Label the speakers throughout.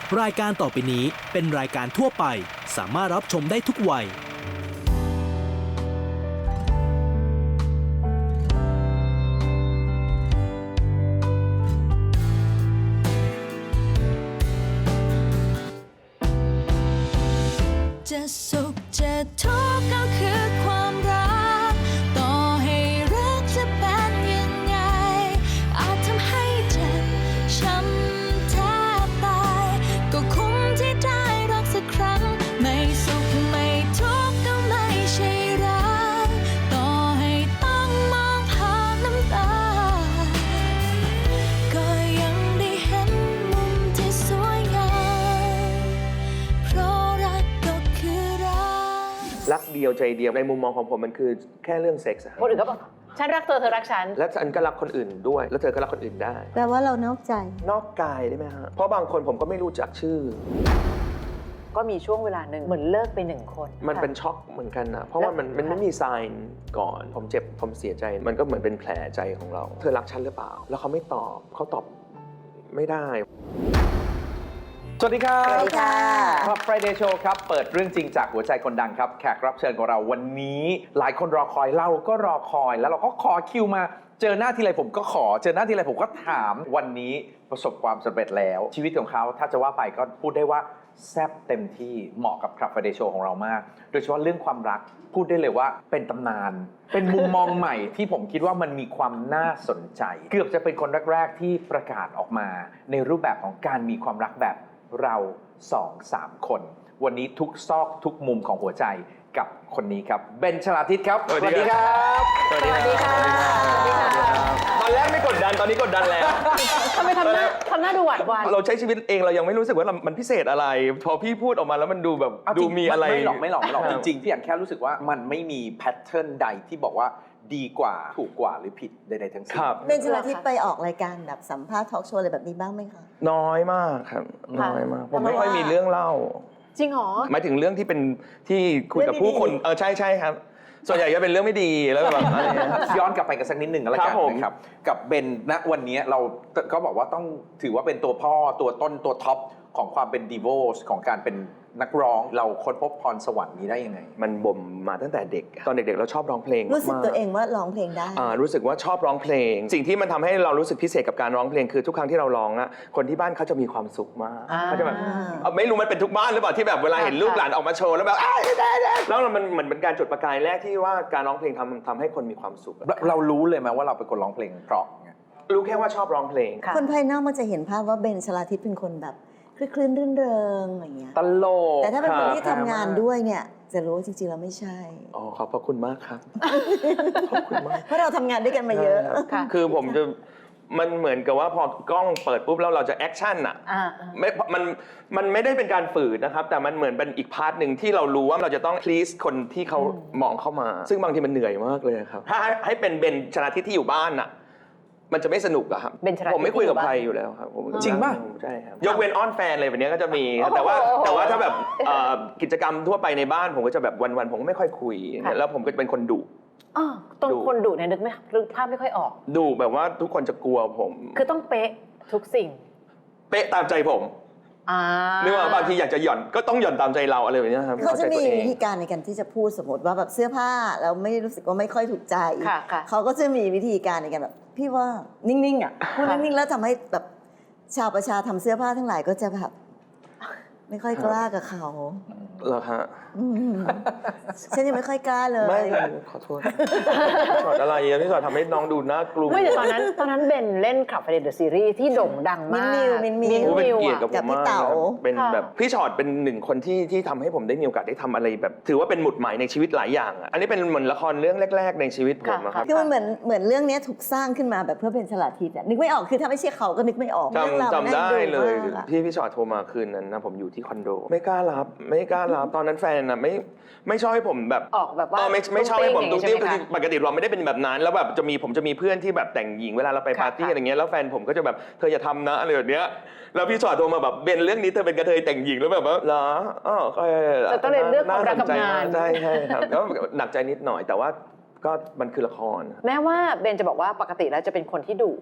Speaker 1: รายการต่อไปนี้เป็นรายการทั่วไปสามารถรับชมได้ทุกวัย
Speaker 2: จะสุขจะทุกข์ก็คือความรักต่อให้รักจะเป็นยังไงอาจทำให้เจ็บช้ำแทบตายก็คุ้มที่ได้รักสักครั้งไม่สุขไม่ทุกข์ก็ไม่ใช่รักต่อให้ต้องมองผ่านน้ำตาก็ยังได้เห็นมุมที่สวยงามเพราะรักก็คือ
Speaker 3: รักเดียวใจเดียวในมุมมองของผมมันคือแค่เรื่องเซ็กส์
Speaker 4: คนอื่นก็บอกฉันรักเธอเธอรักฉัน
Speaker 3: แล้วฉันก็รักคนอื่นด้วยแล้วเธอก็รักคนอื่นได้
Speaker 5: แปลว่าเรานอกใจ
Speaker 3: นอกกายได้ไหมฮะเพราะบางคนผมก็ไม่รู้จักชื่อ
Speaker 4: ก็มีช่วงเวลาหนึ่งเหมือนเลิกไป1 คน
Speaker 3: มันเป็นช็อกเหมือนกันนะเพราะว่ามันไม่มีไซน์ก่อนผมเจ็บผมเสียใจมันก็เหมือนเป็นแผลใจของเราเธอรักฉันหรือเปล่าแล้วเขาไม่ตอบเขาตอบไม่ได้
Speaker 6: สวัสดีครับ
Speaker 5: สวัสดีค่ะ
Speaker 6: ครับ Friday Show ครับเปิดเรื่องจริงจากหัวใจคนดังครับแขกรับเชิญของเราวันนี้หลายคนรอคอยเราก็รอคอยแล้วเราก็ขอคิวมาเจอหน้าทีไรผมก็ขอเจอหน้าทีไรผมก็ถามวันนี้ประสบความสำเร็จแล้วชีวิตของเขาถ้าจะว่าไปก็พูดได้ว่าแซ่บเต็มที่เหมาะกับ Friday Show ของเรามากโดยเฉพาะเรื่องความรักพูดได้เลยว่าเป็นตำนานเป็นมุมมองใหม่ที่ผมคิดว่ามันมีความน่าสนใจเกือบจะเป็นคนแรกๆที่ประกาศออกมาในรูปแบบของการมีความรักแบบเรา 2-3 คนวันนี้ทุกซอกทุกมุมของหัวใจกับคนนี้ครับเบน ชลาทิศครับสวัสดีครับ
Speaker 4: สวัสดีค่ะ
Speaker 3: ตอนแรกไม่กดดันตอนนี้กดดันแล้ว
Speaker 4: ทำไมทำหน้าดูหวาดหวั่น
Speaker 3: เราใช้ชีวิตเองเรายังไม่รู้สึกว่ามันพิเศษอะไรพอพี่พูดออกมาแล้วมันดูแบบดูมีอะไร
Speaker 6: ไม่หรอกจริงๆพี่อันแค่รู้สึกว่ามันไม่มีแพทเทิร์นใดที่บอกว่าดีกว่าถูกกว่าหรือผิดใดๆทั้งสิ้น
Speaker 5: เบน ชลาทิศไปออกรายการแบบสัมภาษณ์ทอล์กโชว์อะไรแบบนี้บ้างไหมคะ
Speaker 3: น้อยมากครับน้อยมากผมไม่ค่อยมีเรื่องเล่า
Speaker 4: จริงเหรอ
Speaker 3: หมายถึงเรื่องที่เป็นที่คุยกับผู้คนใช่ครับส่วนใหญ่จะเป็นเรื่องไม่ดีแล้วแบบอะไร
Speaker 6: ย้อนกลับไปกันสักนิดหนึ่งแล้วกันนะครับกับเบนณวันนี้เราก็บอกว่าต้องถือว่าเป็นตัวพ่อตัวต้นตัวท็อปของความเป็นดีโวสของการเป็นนักร้องเราค้นพบพรสวรรค์นี้ได้ยังไง
Speaker 3: มันบ่มมาตั้งแต่เด็กตอนเด็กๆเราชอบร้องเพลง
Speaker 5: รู้สึกตัวเองว่าร้องเพลงได้
Speaker 3: รู้สึกว่าชอบร้องเพลงสิ่งที่มันทำให้เรารู้สึกพิเศษกับการร้องเพลงคือทุกครั้งที่เราร้องอะคนที่บ้านเขาจะมีความสุขมากเขาจะแบบไม่รู้มันเป็นทุกบ้านหรือเปล่าที่แบบเวลาเห็นลูกหลานออกมาโชว์แล้วแบบแล้วมันเหมือนเป็นการจุดประกายแรกที่ว่าการร้องเพลงทำให้คนมีความสุข
Speaker 6: เรารู้เลยไหมว่าเราเป็นคนร้องเพลงเพราะ
Speaker 3: รู้แค่ว่าชอบร้องเพลง
Speaker 5: คนภายนอกมันจะเห็นภาพว่าเบน ชลาทิศเป็นคนแบบคลื่นรื่นเริงอย่างเงี้ย
Speaker 3: ตลก
Speaker 5: แต่ถ้าเป็นคนที่ทำงานด้วยเนี่ยจะรู้จริงๆเราไม่ใช่
Speaker 3: ขอบพระคุณมากครับขอบคุณมาก
Speaker 5: เพราะเราทำงานด้วยกันมาเยอะ
Speaker 3: คือผมจะมันเหมือนกับว่าพอกล้องเปิดปุ๊บแล้วเราจะแอคชั่นอ่ะมันไม่ได้เป็นการฝืนนะครับแต่มันเหมือนเป็นอีกพาร์ทหนึ่งที่เรารู้ว่าเราจะต้อง please คนที่เขามองเข้ามาซึ่งบางทีมันเหนื่อยมากเลยครับถ้าให้เป็นเบน ชลาทิศที่อยู่บ้านอ่ะมันจะไม่สนุกอะครับผมไม่คุยกับใครอยู่แล้วครับ
Speaker 6: จริงป่ะ
Speaker 3: ใช่ครับยกเว้นอ้อนแฟนอะไรแบบนี้ก็จะมีแต่ว่าถ้าแบบกิจกรรมทั่วไปในบ้านผมก็จะแบบวันๆผมก็ไม่ค่อยคุยแล้วผมก็จะเป็นคนดุ
Speaker 4: ตรงคนดุเนี่ยนึกภาพไม่ค่อยออก
Speaker 3: ดุแบบว่าทุกคนจะกลัวผม
Speaker 4: คือต้องเป๊ะทุกสิ่ง
Speaker 3: เป๊ะตามใจผมนึกว่าบางทีอยากจะหย่อนก็ต้องหย่อนตามใจเราอะไรแบบนี้ครับ
Speaker 5: เขาจะมีวิธีการในการที่จะพูดสมมติว่าแบบเสื้อผ้าแล้วไม่รู้สึกว่าไม่ค่อยถูกใจเขาก็จะมีวิธีการในการแบบพี่ว่านิ่งๆอ่ะพูดนิ่งๆแล้วทำให้แบบชาวประชาทำเสื้อผ้าทั้งหลายก็จะแบบไม่ค่อยกล้ากับเขา
Speaker 3: เหรอฮะ
Speaker 5: ฉันยังไม่ค่อยกล้าเลย
Speaker 3: ไม่ขอโทษสอนอะไรพี่สอนทำให้น้องดูน่ากลัว
Speaker 4: ไม่แต่ตอนนั้นเบนเล่นคลับไฟเดย์เดอะซีรีส์ที่โด่งดังมาก
Speaker 5: มิน
Speaker 3: เป็นเกียรติกับผมมากเป็นแบบพี่ชอตเป็นหนึ่งคนที่ทำให้ผมได้มีโอกาสได้ทำอะไรแบบถือว่าเป็นหมุดหมายในชีวิตหลายอย่างอันนี้เป็นเหมือนละครเรื่องแรกๆในชีวิตผมครับ
Speaker 5: คือมันเหมือนเรื่องนี้ถูกสร้างขึ้นมาแบบเพื่อเป็นฉลาดทิศนึกไม่ออกคือถ้าไม่ใช่เขาก็นึกไม่ออก
Speaker 3: จำได้เลยพี่ชอตโทรมาคืนนั้นนะผมอยู่ที่คอนโดไม่กล้ารับตอนนั้นแฟนนะไม่ชอบให้ผมแบบ
Speaker 4: ออกแบบว่า
Speaker 3: ไม่ชอบให้ผมตุ้งติ้วคือปกติเราไม่ได้เป็นแบบนั้นแล้วแบบผมจะมีเพื่อนที่แบบแต่งหญิงเวลาเราไปปาร์ตี้อะไรเงี้ยแล้วแฟนผมก็จะแบบเธออย่าทำนะอะไรแบบเนี้ยแล้วพี่ชอตโทรมาแบบเบนเรื่องนี้เธอเป็นกระเทยแต่งหญิงแล้วแบบว่าเหรอ
Speaker 4: จะต้องเรียนเรื่องความรักกับงาน
Speaker 3: ใช่ครับก็หนักใจนิดหน่อยแต่ว่าก็มันคือละคร
Speaker 4: แม้ว่าเบนจะบอกว่าปกติแล้วจะเป็นคนที่ดุ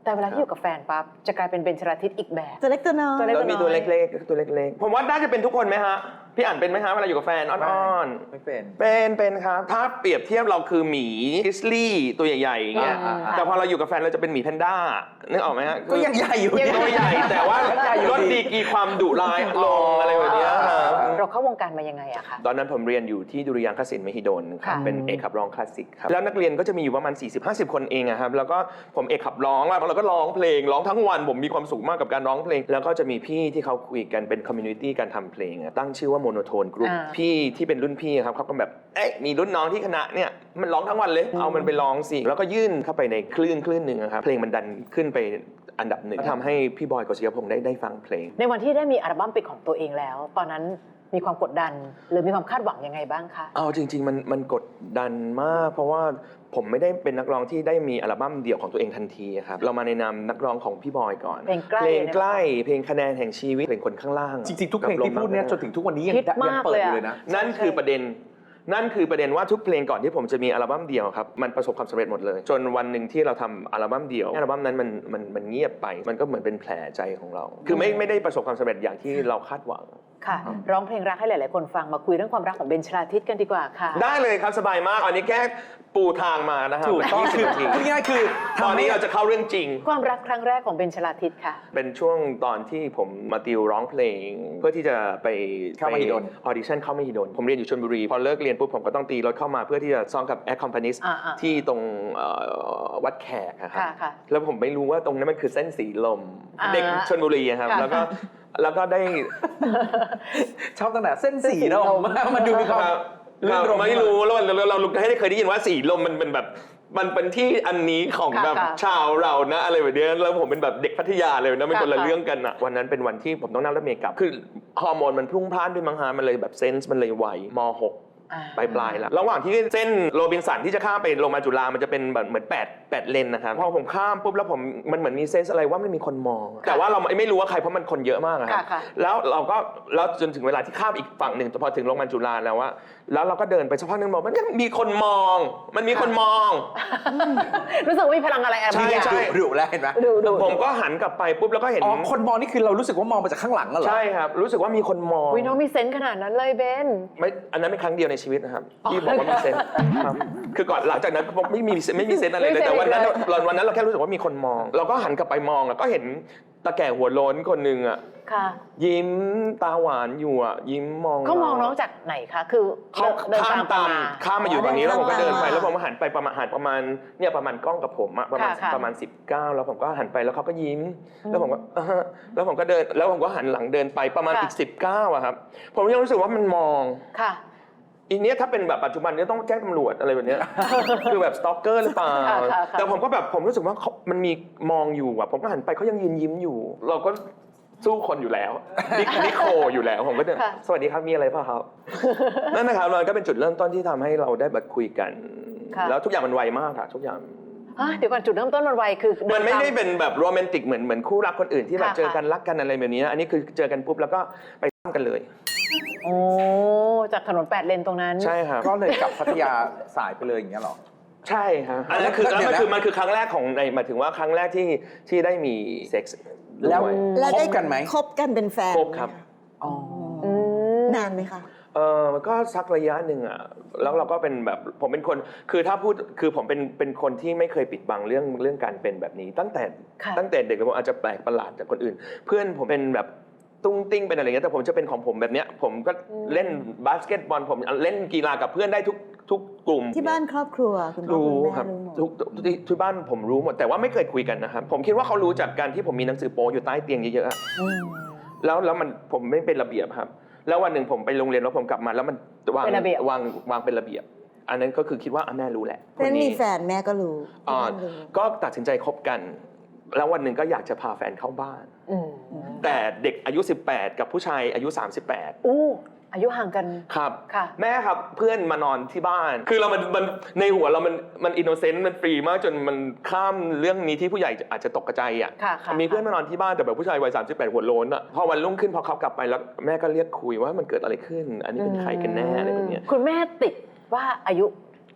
Speaker 4: แต่เวลาที่อยู่กับแฟนปั๊บจะกลายเป็นเบญจราทิตอีกแบบ
Speaker 5: ตัวเล็กตัวน้อย
Speaker 3: แล้วมีตัวเล็กๆตัวเล็กๆผมว่าน่าจะเป็นทุกคนไหมฮะพี่อ่านเป็นไหมฮะเวลาอยู่กับแฟนอ้อนๆ
Speaker 6: ไม่เป็น
Speaker 3: เป็นครับถ้าเปรียบเทียบเราคือหมีกริซลี่ตัวใหญ่ๆอย่างเงี้ย แต่พอเราอยู่กับแฟนเราจะเป็นหมีแพนด้านึกออกไหมฮะ
Speaker 6: ก็ยังใหญ่อยู่
Speaker 3: ตัวใหญ่แต่ว่าลดดีกรีความดุร้ายลงอะไรแบบเนี้ยครับ
Speaker 4: เราเข้าวงการมายังไงอะคะ
Speaker 3: ตอนนั้นผมเรียนอยู่ที่ดุริยางคศิลป์มหิดลครับ
Speaker 4: ค่ะ
Speaker 3: เป็นเอกขับร้องคลาสสิกครับแล้วนักเรียนก็จะมีอยู่ประมาณ 40-50 คนเองอะครับแล้วก็ผมเอกขับร้องแล้วเราก็ร้องเพลงร้องทั้งวันผมมีความสุขมากกับการร้องเพลง แล้วก็จะมีพี่ที่เขาคุยกันเป็นคอมมูนิตี้การทำเพลงอะตั้งชื่อว่าโมโนโทนกรุ๊ปพี่ที่เป็นรุ่นพี่ครับเขาก็แบบเอ๊ะมีรุ่นน้องที่คณะเนี่ยมันร้องทั้งวันเลยเอามันไปร้องสิแล้วก็ยื่นเข้าไปในคลื่นหนึ่งครับเพลงมันดันขึ้นไปอันดับหนึ่งทำให้พี่บอยกฤษยพงษ์ได้ฟังเพลง
Speaker 4: ในวันที่ได้มีอัลบั้มเป็นของตัวเองแล้ว ตอนนั้นมีความกดดันหรือมีความคาดหวังยังไงบ้างคะ
Speaker 3: เอาจริงๆมันกดดันมากเพราะว่าผมไม่ได้เป็นนักร้องที่ได้มีอัลบั้มเดี่ยวของตัวเองทันทีครับเรามาในนามนักร้องของพี่บอยก่อน
Speaker 4: เพลงใกล้
Speaker 3: เพลงคะแนนแห่งชีวิตเพลงคนข้างล่าง
Speaker 6: จริงๆทุกเพลงที่พูดเนี่ยจนถึงทุกวันนี้ยังเปิดอยู่เลยนะ
Speaker 3: นั่นคือประเด็นว่าทุกเพลงก่อนที่ผมจะมีอัลบั้มเดี่ยวครับมันประสบความสำเร็จหมดเลยจนวันหนึ่งที่เราทำอัลบั้มเดี่ยวอัลบั้มนั้นมันเงียบไปมันก็เหมือนเป็นแผลใจของเราคือไม่ได้ประสบความสำเร็จอย่างที่เราคาดหวัง
Speaker 4: ค่ะร้องเพลงรักให้หลายๆคนฟังมาคุยเรื่องความรักของเบญจราทิตกันดีกว่าค่ะ
Speaker 3: ได้เลยครับสบายมากอันนี้แค่ปูทางมานะครับ
Speaker 6: ถูกต้องคือง่ายๆคือ
Speaker 3: ตอนนี้เราจะเข้าเรื่องจริง
Speaker 4: ความรักครั้งแรกของเบญจราทิตค่ะ
Speaker 3: เป็นช่วงตอนที่ผมมาติวร้องเพลงเพื่อที่จะไป
Speaker 6: เข้ามหิดล
Speaker 3: ออดิชั่นเข้ามหิดลผมเรียนอยู่ชลบุรีพอเลิกเรียนปุ๊บผมก็ต้องตีรถเข้ามาเพื่อที่จะซ้อมกับแอคคอมพานิสที่ตรงวัดแขกครับแล้วผมไม่รู้ว่าตรงนั้นมันคือเส้นสีลมเด็กชลบุรีครับแล้วก็ได้
Speaker 6: ชอบตั้งแต่เส้นสีลมมันดูมีความ
Speaker 3: ไม่รู้แล้วเราเคยได้ยินว่าสีลมมันเป็นแบบมันเป็นที่อันนี้ของแบบชาวเรานะอะไรแบบนี้แล้วผมเป็นแบบเด็กพัทยาเลยนะเป็นคนละเรื่องกันอะวันนั้นเป็นวันที่ผมต้องนั่งรถเมล์กลับคือฮอร์โมนมันพรุ่งพล่านด้วยมั้งฮะมันเลยแบบเซนส์มันเลยไวม.6ปลายแล้วระหว่างที่เส้นโรบินสันที่จะข้ามไปลงมาจุฬามันจะเป็นแบบเหมือน8เลนนะครับพอผมข้ามปุ๊บแล้วมันเหมือนมีเซนส์อะไรว่าไม่มีคนมองแต่ว่าเราไม่รู้ว่าใครเพราะมันคนเยอะมากครับแล้วจนถึงเวลาที่ข้ามอีกฝั่งหนึ่งพอถึงโรงพยาบาลจุฬาแล้วว่าแล้วเราก็เดินไปสักพักนึงบอกมันมีคนมองมันมีคนมอง
Speaker 4: รู้สึกว่ามีพลังอะไร
Speaker 3: ใช่
Speaker 6: ดุแล้วเห็นไหม
Speaker 3: ผมก็หันกลับไปปุ๊บแล้วก็เห็น
Speaker 6: คนมองนี่คือเรารู้สึกว่ามองมาจากข้างหลังเหรอ
Speaker 3: ใช่ครับรู้สึกว่ามีคนมอง
Speaker 4: วิน้องมีเซนส์ขนาดนั้นเลยเบน
Speaker 3: ไม่อันนั้นเป็นครั้งเดียวในชีวิตนะครับที่บอกว่ามีเซนส์ครับคือก่อนหลังจากนั้นไม่มีเซนส์อะไรเลยแต่วันนั้นเราแค่รู้สึกว่ามีคนมองเราก็หันกลับไปมองแล้วก็เห็นตาแก่หัวโล้นคนนึงอ่ะยิ้มตาหวานอยู่อ่ะยิ้มมอง
Speaker 4: เขามองน้องจากไหนคะคือ
Speaker 3: เขาข้ามมาอยู่ตรงนี้แล้วผมก็เดินไปแล้วผมก็หันไปประมาณเนี่ยประมาณกล้องกับผมอะประมาณ19แล้วผมก็หันไปแล้วเขาก็ยิ้มแล้วผมก็แล้วผมก็เดินแล้วผมก็หันหลังเดินไปประมาณอีก19อะครับผมยังรู้สึกว่ามันมองอีเนี้ยถ้าเป็นแบบปัจจุบันเนี่ยต้องแจ้งตำรวจอะไรแบบนี้คือแบบสตอกเกอร์หรือเปล่าแต่ผมก็แบบผมรู้สึกว่ามันมีมองอยู่อ่ะผมก็หันไปเขายังยืนยิ้มอยู่เราก็สู้คนอยู่แล้วนิโคอยู่แล้วผมก็เดินสวัสดีครับมีอะไรป่ะครับนั่นนะครับมันก็เป็นจุดเริ่มต้นที่ทำให้เราได้แบบคุยกันแล้วทุกอย่างมันไวมากค่ะทุกอย่าง
Speaker 4: เดี๋ยวก่อนจุดเริ่มต้นมันไวคือ
Speaker 3: มันไม่ได้เป็นแบบโรแมนติกเหมือนคู่รักคนอื่นที่แบบเจอกันรักกันอะไรแบบนี้อันนี้คือเจอกันปุ๊บแล้วก็ไปซ้ำกันเลย
Speaker 4: โอ้จากถนน8เลนตรงนั้น
Speaker 3: ใช่ครับ
Speaker 6: ก็เลยกลับพัทยาสายไปเลยอย่างเงี้ยหรอ
Speaker 3: ใช่ครับอันนั้นคือมันคือครั้งแรกของในหมายถึงว่าครั้งแรกที่ได้มีเซ็กส์
Speaker 6: แล้วคบกันไหม
Speaker 5: คบกันเป็นแฟน
Speaker 3: คบครับ
Speaker 5: นานไหมคะ
Speaker 3: มันก็สักระยะหนึ่งอ่ะแล้วเราก็เป็นแบบผมเป็นคนคือถ้าพูดคือผมเป็นคนที่ไม่เคยปิดบังเรื่องการเป็นแบบนี้ตั้งแต่เด็กผมอาจจะแปลกประหลาดจากคนอื่นเพื่อนผมเป็นแบบตุ้งติ้งเป็นอะไรเงี้ยแต่ผมจะเป็นของผมแบบเนี้ยผมก็เล่นบาสเกตบอลผมเล่นกีฬากับเพื่อนได้ทุกกลุ่ม
Speaker 5: ที่บ้านครอบครัวคุณพ่อคุณแม่
Speaker 3: รู้ที่บ้านผมรู้หมดแต่ว่าไม่เคยคุยกันนะครับผมคิดว่าเขารู้จากการที่ผมมีหนังสือโป๊อยู่ใต้เตียงเยอะๆแล้วมันผมไม่เป็นระเบียบครับแล้ววันหนึ่งผมไปโรงเรียนแล้วผมกลับมาแล้วมันวางเป็นระเบียบอันนั้นก็คือคิดว่าแม่รู้แหละ
Speaker 5: เพื่อนมีแฟนแม่ก็รู้
Speaker 3: ก็ตัดสินใจคบกันแล้ววันหนึ่งก็อยากจะพาแฟนเข้าบ้านแต่เด็กอายุ18กับผู้ชายอายุ38
Speaker 4: อายุห่างกัน
Speaker 3: ครับแม่ครับเพื่อนมานอนที่บ้านคือเรามันในหัวเรามันอินโนเซนต์มันฟรีมากจนมันข้ามเรื่องนี้ที่ผู้ใหญ่อาจจะตกใจอ่ะมีเพื่อนมานอนที่บ้านแต่แบบผู้ชายวัย38หัวโล้นอ่ะพอวันรุ่งขึ้นพอเขากลับไปแล้วแม่ก็เรียกคุยว่ามันเกิดอะไรขึ้นอันนี้เป็นใครกันแน่อะไรแบบนี้
Speaker 4: คุณแม่ติดว่าอายุ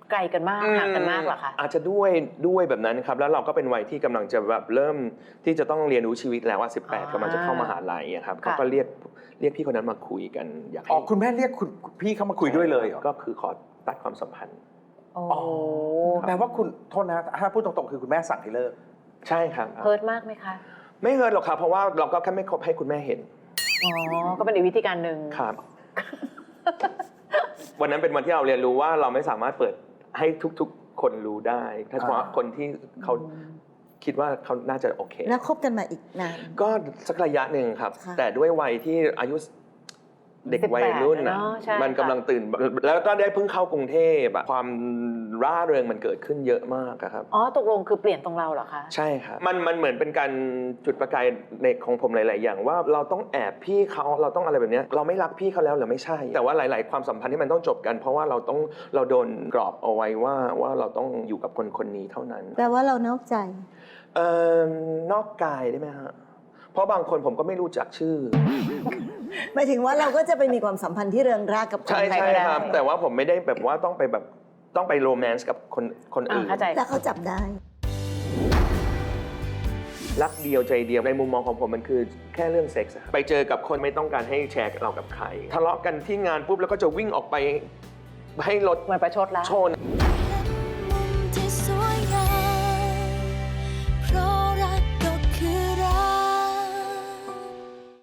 Speaker 4: ไกลกันมากห่างกันมากเหรอคะ
Speaker 3: อาจจะด้วยแบบนั้นครับแล้วเราก็เป็นวัยที่กำลังจะแบบเริ่มที่จะต้องเรียนรู้ชีวิตแล้วว่า18กำลังจะเข้ามหาลัยอะครับเขาก็เรียกพี่คนนั้นมาคุยกันอยากให้
Speaker 6: อ๋อคุณแม่เรียกคุณพี่เข้ามาคุยด้วยเลยเหรอ
Speaker 3: ก็คือขอตัดความสัมพันธ์
Speaker 4: โอ้
Speaker 6: อ๋อแปลว่าคุณโทษนะถ้าพูดตรงๆคือคุณแม่สั่งให้เลิก
Speaker 3: ใช่ครับ
Speaker 4: เฮิร์ตมากไหมคะ
Speaker 3: ไม่เฮิร์ตหรอกครับเพราะว่าเราก็แค่ไม่คบให้คุณแม่เห็น
Speaker 4: อ๋อก็เป็นอีกวิธีการหนึ่ง
Speaker 3: ครับ วันนั้นเป็นวันที่เราเรียนรู้ว่าเราไม่สามารถเปิดให้ทุกๆคนรู้ได้ถ้าเฉพาะคนที่เขาคิดว่าเขาน่าจะโอเค
Speaker 5: แล้วคบกันมาอีกนาน
Speaker 3: ก็สักระยะหนึ่งครับ
Speaker 5: ค่ะ
Speaker 3: แต่ด้วยวัยที่อายุเด็กวัยรุ่น
Speaker 4: 18
Speaker 3: นะ
Speaker 4: เนอะใช่
Speaker 3: มันกำลังตื่น แล้วก็ได้เพิ่งเข้ากรุงเทพอะความร่าเริงมันเกิดขึ้นเยอะมากอะครับ
Speaker 4: อ๋อตกลงคือเปลี่ยนตรงเราเหรอคะ
Speaker 3: ใช่ครับมันเหมือนเป็นการจุดประกายในของผมหลาย ๆ อย่างว่าเราต้องแอบพี่เขาเราต้องอะไรแบบเนี้ยเราไม่รักพี่เขาแล้วหรือไม่ใช่ แต่ว่าหลาย ๆ ความสัมพันธ์ที่มันต้องจบกัน เพราะว่าเราโดนกรอบเอาไว้ว่าเราต้องอยู่กับคนนี้เท่านั้น
Speaker 5: แปลว่าเรานอกใจ
Speaker 3: นอกกายได้ไหมฮะเพราะบางคนผมก็ไม่รู้จักชื่อ
Speaker 5: หมายถึงว่าเราก็จะไปมีความสัมพันธ์ที่เริงร่ากับคน
Speaker 3: ใช่
Speaker 5: ใคร
Speaker 3: ใช่
Speaker 5: ก็ได้
Speaker 3: ครับ แต่ว่าผมไม่ได้แบบว่าต้องไปโรแมนต์กับคนอื่น
Speaker 4: เข้าใจ
Speaker 5: แล้วเขาจับได้
Speaker 3: รักเดียวใจเดียวในมุมมองของผมมันคือแค่เรื่องเซ็กส์อะไปเจอกับคนไม่ต้องการให้แชร์เรากับใครทะเลาะกันที่งานปุ๊บแล้วก็จะวิ่งออกไปให้รถ
Speaker 4: เหมือนประชดแล้ว
Speaker 3: ชน